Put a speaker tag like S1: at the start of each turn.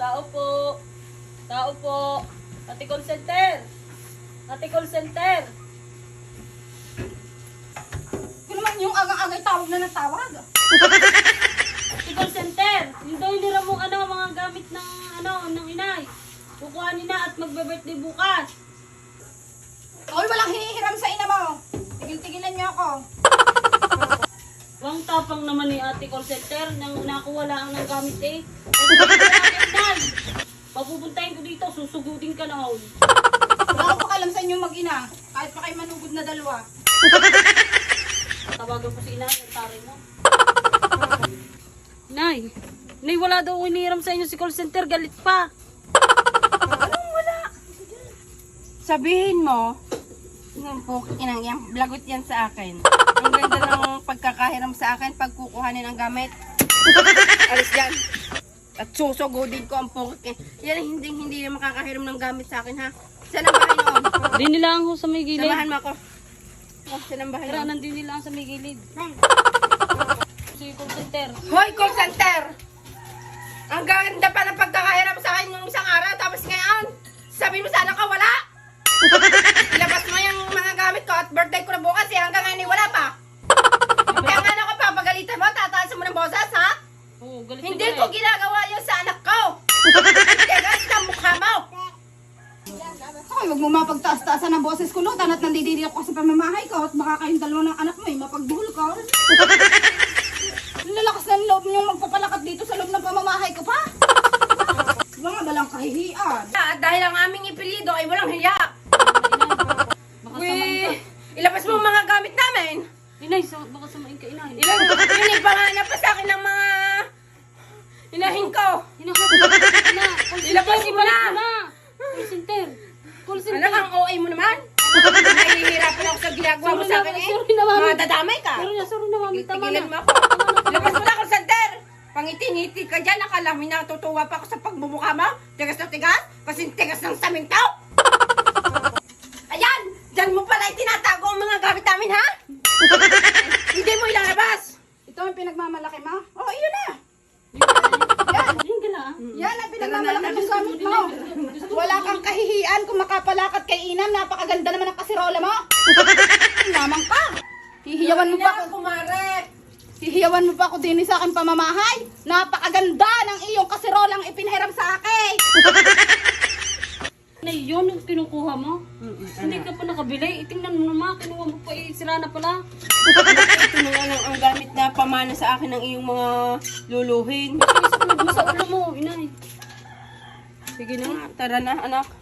S1: Tao po. Tao po. Ate call center. Ate call center.
S2: Kung naman yung agang-agay tawag na natawag.
S1: Ate call center. Yung daw nila mong mga gamit ng inay. Kukuhanin na at magbe-birthday bukas.
S2: Oy, walang hihiram sa ina mo. Tigil-tigilan niyo ako.
S1: Wang tapang naman ni ate call center nang nakuha lang ng gamit eh. Papupuntahin ko dito, susugutin ka na.
S2: Wala ko pakalam sa inyo mag-ina. Kahit pa kayo manugod na dalawa.
S1: Tawagan ko si inay, ang taray mo. Nay, wala daw iniram sa inyo si call center, galit pa.
S2: Anong wala? Sabihin mo, yung inang yan, blagot yan sa akin. Ang ganda ng pagkakahiram sa akin pag kukuhanin ang gamit. Alis dyan. At susugodin ko ang pokit. Yan hindi makakahiram ng gamit sa akin ha. Saan ang bahay noon?
S1: Di nila ang sa may gilid.
S2: Samahan mo ako. Oh, saan ang bahay noon?
S1: Karanan din nila ang sa may gilid. Si call center.
S2: Hoy, call center! Ang ganda pa ng pagkakahiram sa akin nung isang araw, tapos ngayon, sabi mo sana ka wala! Ilabas mo yung mga gamit ko at birthday ko na bukas eh, hanggang ngayon wala pa! Kaya nga ako pa, pagalitan mo, tataasan mo ng boses, ha?
S1: Oo, galit
S2: Hindi
S1: na
S2: ko ginagawa yun sa anak ko! Tigas na mukha mo! Ay, huwag mo mapagtaas-taasan ng boses ko, no? Tanat nandidiri ako sa pamamahay ko at baka kayong dalawa ng anak mo, eh, mapagduhol ka. Lalakas ng loob niyong magpapalakat dito sa loob ng pamamahay ko pa. Mga balang kahihiyan. Dahil ang aming ipilido ay walang hiya.
S1: Baka samain ka.
S2: Ilabas mo ang mga gamit namin.
S1: Inay, baka samain ka, inay.
S2: Ilang panganap pa sa akin ng mga inahin ko. Ilabas mo na.
S1: Call center. Call center.
S2: Anak, ang OA mo naman. Nahihirapan ako sa ginagawa mo sa akin eh.
S1: Sorry na, mami.
S2: Madadamay ka.
S1: Sorry na, mami. Tama
S2: Tigilan
S1: na.
S2: mo ako. Ilabas mo na ako, center. Pangiti-ngiti ka dyan. Akala mo natutuwa pa ako sa pagmumukha mo. Tigas na tigas. Kasing tigas ng samintaw. Ayan! Diyan mo pala itinatago ang mga gamit namin, ha? Hindi mo ilalabas. Ito ang pinagmamalaki mo? Oh, iyon na. Yan.
S1: Ayun ka na.
S2: Yan ang pinagmamalaki ng gamit mo. Wala kang kahihiyan kung makapalakat kay Inam. Napakaganda naman ang kasirola mo. Lamang ka. Hihiyawan mo pa ako. Hihiyawan mo pa ako din sa akin pamamahay. Napakaganda ng iyong kasirolang ipinhiram sa akin.
S1: Na yun yung kinukuha mo? Hindi ka pa nakabili. Itingnan mo naman. Kinuha mo pa. Sira na pala.
S2: Ito na nga lang ang gamit na pamana sa akin ng iyong mga luluhin.
S1: Isap mo sa ulo mo, inay.
S2: Sige na nga, tara na anak.